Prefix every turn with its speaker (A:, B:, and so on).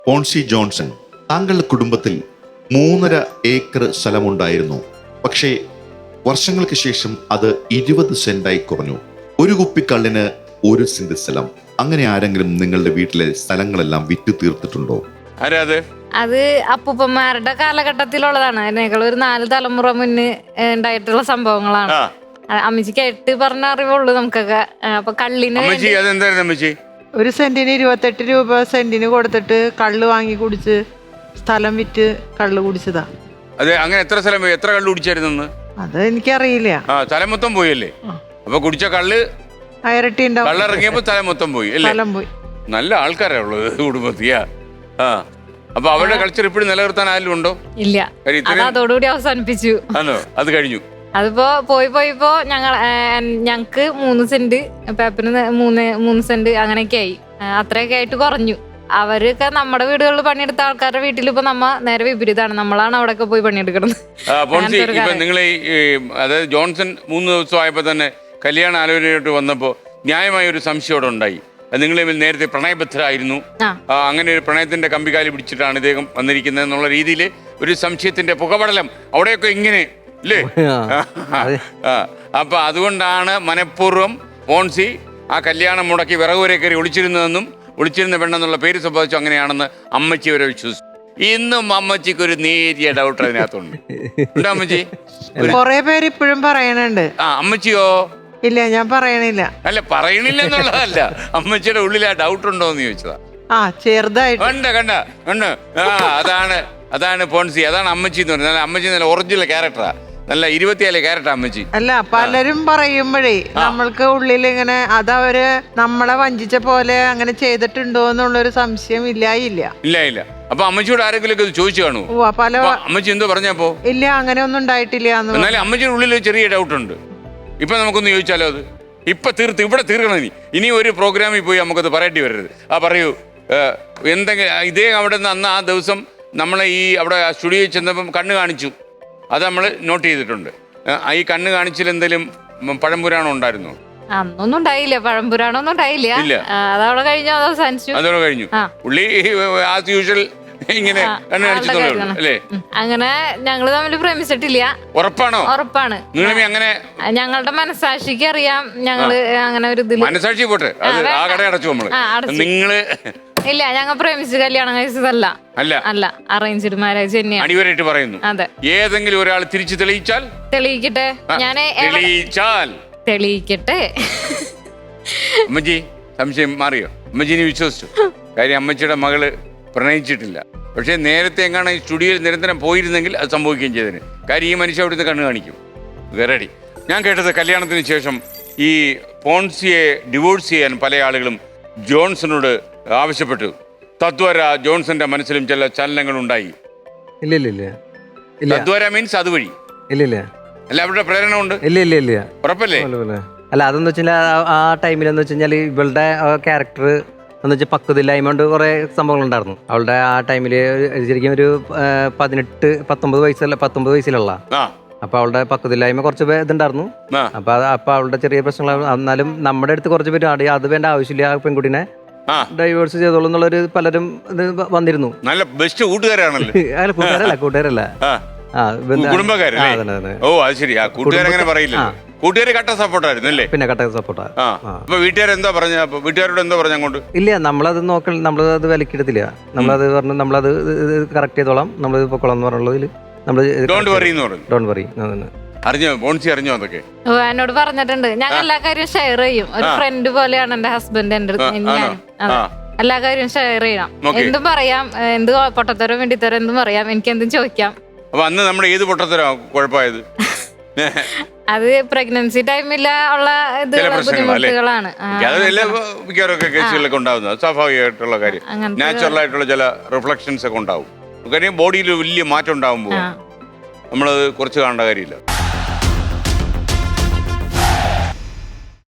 A: പോൺസി Johnson, താങ്കളുടെ കുടുംബത്തിൽ 3.5 acre സ്ഥലമുണ്ടായിരുന്നു. പക്ഷേ വർഷങ്ങൾക്ക് ശേഷം അത് 20 സെന്റായി കുറഞ്ഞു. ഒരു കുപ്പിക്കള്ളിന് 1 സെന്റ് സ്ഥലം. അങ്ങനെ ആരെങ്കിലും നിങ്ങളുടെ വീട്ടിലെ സ്ഥലങ്ങളെല്ലാം വിറ്റ് തീർത്തിട്ടുണ്ടോ?
B: അത് അപ്പൂപ്പന്മാരുടെ കാലഘട്ടത്തിലുള്ളതാണ്. അതിനേക്കാൾ ഒരു 4 തലമുറ മുന്നേ ഉണ്ടായിട്ടുള്ള സംഭവങ്ങളാണ്. അമ്മച്ചിക്ക് 8 പറഞ്ഞ അറിവുള്ളൂ നമുക്കൊക്കെ. അപ്പൊ കള്ളിന്
C: ഒരു സെന്റിന് 28 രൂപ സെന്റിന് കൊടുത്തിട്ട് കള്ള് വാങ്ങി കുടിച്ച് സ്ഥലം വിറ്റ് കള്ള് കുടിച്ചതാ.
D: അതെ, അങ്ങനെ എത്ര സ്ഥലം എത്ര കള്ള് കുടിച്ചായിരുന്നു?
C: അത് എനിക്കറിയില്ല.
D: സ്ഥലം മൊത്തം പോയല്ലേ? അപ്പൊ കുടിച്ച കള്ള്
C: ഇരട്ടി ഉണ്ടാവും.
D: കള്ളിറങ്ങിയപ്പോ സ്ഥലം മൊത്തം പോയി അല്ലേ?
C: സ്ഥലം പോയി.
D: നല്ല ആൾക്കാരാ ഉള്ളത് കുടുംബത്തിയാ. അപ്പൊ അവരുടെ കൾച്ചർ ഇപ്പോഴും നിലനിർത്താൻ ആരും ഉണ്ടോ?
B: ഇല്ല, അതോടുകൂടി അവസാനിപ്പിച്ചു.
D: ആണോ? അത് കഴിഞ്ഞു.
B: അതിപ്പോ പോയിപ്പോ ഞങ്ങക്ക് 3 സെന്റ്, പേപ്പറിന് 3 സെന്റ് അങ്ങനെയൊക്കെ ആയി. അത്രയൊക്കെ ആയിട്ട് കുറഞ്ഞു. അവരൊക്കെ നമ്മുടെ വീടുകളിൽ പണിയെടുത്ത ആൾക്കാരുടെ വീട്ടിൽ ഇപ്പൊ നേരെ വിപരീതമാണ്. നമ്മളാണ് അവിടെയൊക്കെ പോയി പണിയെടുക്കുന്നത്.
D: നിങ്ങളെ അതായത് ജോൺസൺ 3 ദിവസം ആയപ്പോ തന്നെ കല്യാണ ആലോചനയായിട്ട് വന്നപ്പോ ന്യായമായ ഒരു സംശയം അവിടെ ഉണ്ടായി. നിങ്ങൾ നേരത്തെ പ്രണയബദ്ധരായിരുന്നു, അങ്ങനെ ഒരു പ്രണയത്തിന്റെ കമ്പികാലി പിടിച്ചിട്ടാണ് ഇദ്ദേഹം വന്നിരിക്കുന്നത് എന്നുള്ള രീതിയിൽ ഒരു സംശയത്തിന്റെ പുകപടലം അവിടെയൊക്കെ ഇങ്ങനെ അല്ലേ? അപ്പൊ അതുകൊണ്ടാണ് മനഃപൂർവ്വം പോൺസി ആ കല്യാണം മുടക്കി വിറകുവരെ കയറി ഒളിച്ചിരുന്ന പെണ്ണെന്നുള്ള പേര് സംഭവിച്ചു. അങ്ങനെയാണെന്ന് അമ്മച്ചി വരെ വിശ്വസിച്ചു. ഇന്നും അമ്മച്ചിക്ക് ഒരു നേരിയ ഡൗട്ട് അതിനകത്തുണ്ട്. ഉണ്ടോ അമ്മച്ചി?
C: കൊറേ പേര് ഇപ്പോഴും പറയണുണ്ട്.
D: അമ്മച്ചിയോ?
C: ഇല്ല, ഞാൻ പറയണില്ല.
D: അല്ല, പറയണില്ല എന്നുള്ളതല്ല, അമ്മച്ചിയുടെ ഉള്ളിൽ ആ ഡൗട്ട് ഉണ്ടോ എന്ന് ചോദിച്ചതാ.
C: ചെറുതായിട്ട്
D: കണ്ട അതാണ് പോൺസി, അതാണ് അമ്മച്ചി എന്ന് പറയുന്നത്. അമ്മച്ചി നല്ല ഒറിജിനൽ ക്യാരക്ടറാ, നല്ല 24 ക്യാരക്ടർ അമ്മച്ചി.
C: അല്ല, പലരും പറയുമ്പോഴേ നമ്മൾക്ക് ഉള്ളിൽ ഇങ്ങനെ അതവര് നമ്മളെ വഞ്ചിച്ച പോലെ അങ്ങനെ ചെയ്തിട്ടുണ്ടോ എന്നുള്ളൊരു സംശയം ഇല്ല.
D: അപ്പൊ അമ്മച്ചിയോട് ആരെങ്കിലും ഒക്കെ ചോദിച്ചു കാണൂ?
C: പല
D: അമ്മച്ചി എന്തോ പറഞ്ഞപ്പോ?
C: ഇല്ല, അങ്ങനെ ഒന്നും ഉണ്ടായിട്ടില്ല.
D: എന്നാലും അമ്മച്ചിയുടെ ഉള്ളിൽ ചെറിയ ഡൗട്ട് ഉണ്ട്. ഇപ്പൊ നമുക്കൊന്ന് ചോദിച്ചാലോ? അത് ഇപ്പൊ ഇവിടെ തീർക്കണം. ഇനി ഒരു പ്രോഗ്രാമിൽ പോയി നമുക്കത് പറയേണ്ടി വരരുത്. പറയൂ, എന്തെങ്കിലും ഇദ്ദേഹം അവിടെ നിന്ന് അന്ന് ആ ദിവസം നമ്മളെ അവിടെ സ്റ്റുഡിയോയിൽ ചെന്നപ്പം കണ്ണ് കാണിച്ചു, അത് നമ്മൾ നോട്ട് ചെയ്തിട്ടുണ്ട്. ഈ കണ്ണ് കാണിച്ചിൽ എന്തെങ്കിലും പഴംപുരാണം ഉണ്ടായിരുന്നോ?
B: അന്നൊന്നും ഉണ്ടായില്ല, പഴംപുരാണൊന്നും ഉണ്ടായില്ല. അതവിടെ കഴിഞ്ഞു,
D: അതോടെ കഴിഞ്ഞു. പുള്ളി ആസ് യൂഷ്വൽ ഇങ്ങനെ കണ്ണ് കാണിച്ചതേ അല്ലേ?
B: അങ്ങനെ ഞങ്ങള് തമ്മിൽ പ്രേമിച്ചിട്ടില്ല.
D: ഉറപ്പാണോ?
B: ഉറപ്പാണ്.
D: അങ്ങനെ
B: ഞങ്ങളുടെ മനസാക്ഷിക്ക് അറിയാം ഞങ്ങള് അങ്ങനെ ഒരു ഇതിൽ.
D: മനസാക്ഷി പോട്ടെ, ആ കട അടച്ചു നമ്മള്. നിങ്ങള്
B: ഇല്ല, ഞങ്ങൾ പ്രേമിച്ച് കല്യാണം കഴിച്ചതല്ല. അല്ല, അറേഞ്ച്ഡ് മാരേജ് തന്നെയാണ്.
D: അടിവരായിട്ട് പറയുന്നു.
B: അതെ.
D: ഏതെങ്കിലും ഒരാൾ തിരിച്ചു
B: തെളിയിക്കട്ടെ. തെളിയിക്കട്ടെ.
D: അമ്മച്ചി സംശയം മാറിയോ? അമ്മച്ചിനെ വിശ്വസിച്ചു? കാര്യം അമ്മച്ചിയുടെ മകള് പ്രണയിച്ചിട്ടില്ല. പക്ഷെ നേരത്തെ എങ്ങാണ് ഈ സ്റ്റുഡിയോയിൽ നിരന്തരം പോയിരുന്നെങ്കിൽ അത് സംഭവിക്കുകയും ചെയ്തതിന്. കാര്യം ഈ മനുഷ്യ അവിടുന്ന് കണ്ണ് കാണിക്കും. റെഡി. ഞാൻ കേട്ടത് കല്യാണത്തിന് ശേഷം ഈ പോൺസിയെ ഡിവോഴ്സ് ചെയ്യാൻ പല ആളുകളും ജോൺസണോട് ആവശ്യപ്പെട്ടു. തദ്വാര ജോൺസന്റെ മനസ്സിലും ചില ചലനങ്ങൾ ഉണ്ടായി. തദ്വാര മീൻസ് അതുവഴി അല്ല, അവരുടെ പ്രേരണ ഉണ്ട്. ഉറപ്പല്ലേ?
E: അല്ല, അതെന്ന് വെച്ചാൽ ആ ടൈമിലെന്ന് വെച്ച് കഴിഞ്ഞാൽ ഇവളുടെ ക്യാരക്ടർ എന്ന് വെച്ചാൽ പക്വതയില്ലായ്മ കൊണ്ട് കുറേ സംഭവങ്ങളുണ്ടായിരുന്നു. അവളുടെ ആ ടൈമിൽ ശരിക്കും ഒരു 19 വയസ്സിലുള്ള. അപ്പൊ അവളുടെ പക്വതയില്ലായ്മ കുറച്ച് ഇതുണ്ടായിരുന്നു. അപ്പൊ അവളുടെ ചെറിയ പ്രശ്നങ്ങൾ. എന്നാലും നമ്മുടെ അടുത്ത് കുറച്ച് പേര് അത് വേണ്ട ആവശ്യമില്ല, ആ പെൺകുട്ടിനെ ഡൈവേഴ്സ് ചെയ്തോളൂ എന്നുള്ളൊരു പലരും ഇത് വന്നിരുന്നു.
D: നല്ല ബെസ്റ്റ് കൂട്ടുകാരാണല്ലോ.
E: കൂട്ടുകാരല്ല
D: കൂട്ടുകാര് കട്ട സപ്പോർട്ടായിരുന്നു അല്ലേ?
E: പിന്നെ കട്ട സപ്പോർട്ടാ.
D: വീട്ടുകാരെന്തോ പറഞ്ഞ വീട്ടുകാരോട് എന്തോ പറഞ്ഞ അങ്ങോട്ട്?
E: ഇല്ല, നമ്മളത് നമ്മളത് വിലക്കെടുത്തില്ല. നമ്മളത് പറഞ്ഞു നമ്മളത് കറക്റ്റ് ചെയ്തോളാം, നമ്മളത് പൊക്കോളാം എന്ന് പറഞ്ഞുള്ളതിൽ നമ്മള് ഡോണ്ട് വറി.
D: അറിഞ്ഞോ അതൊക്കെ?
B: എന്നോട് പറഞ്ഞിട്ടുണ്ട്. ഞാൻ എല്ലാ കാര്യവും ഷെയർ ചെയ്യും. ഒരു ഫ്രണ്ട് പോലെയാണ് എന്റെ ഹസ്ബൻഡ്. എന്റെ എല്ലാ കാര്യവും ഷെയർ ചെയ്യണം. എന്തും പറയാം, എന്ത് പൊട്ടത്തരം വേണ്ടിത്തരം എന്തും പറയാം, എനിക്ക് എന്തും ചോദിക്കാം.
D: അപ്പൊ അന്ന് നമ്മുടെ ഏത് പൊട്ടത്തരം കുഴപ്പമായത്?
B: അത് പ്രഗ്നൻസി ടൈമിൽ ഉള്ള ബുദ്ധിമുട്ടുകളാണ്.
D: മിക്കവാറൊക്കെ കേസുകളിലൊക്കെ ഉണ്ടാവുന്നത് സ്വാഭാവികമായിട്ടുള്ള കാര്യം. നാച്ചുറൽ ആയിട്ടുള്ള ചില റിഫ്ലക്ഷൻസ് ഒക്കെ ഉണ്ടാവും. കാര്യം ബോഡിയിൽ വലിയ മാറ്റം ഉണ്ടാവുമ്പോൾ നമ്മളത് കുറച്ച് കാണേണ്ട കാര്യമില്ല.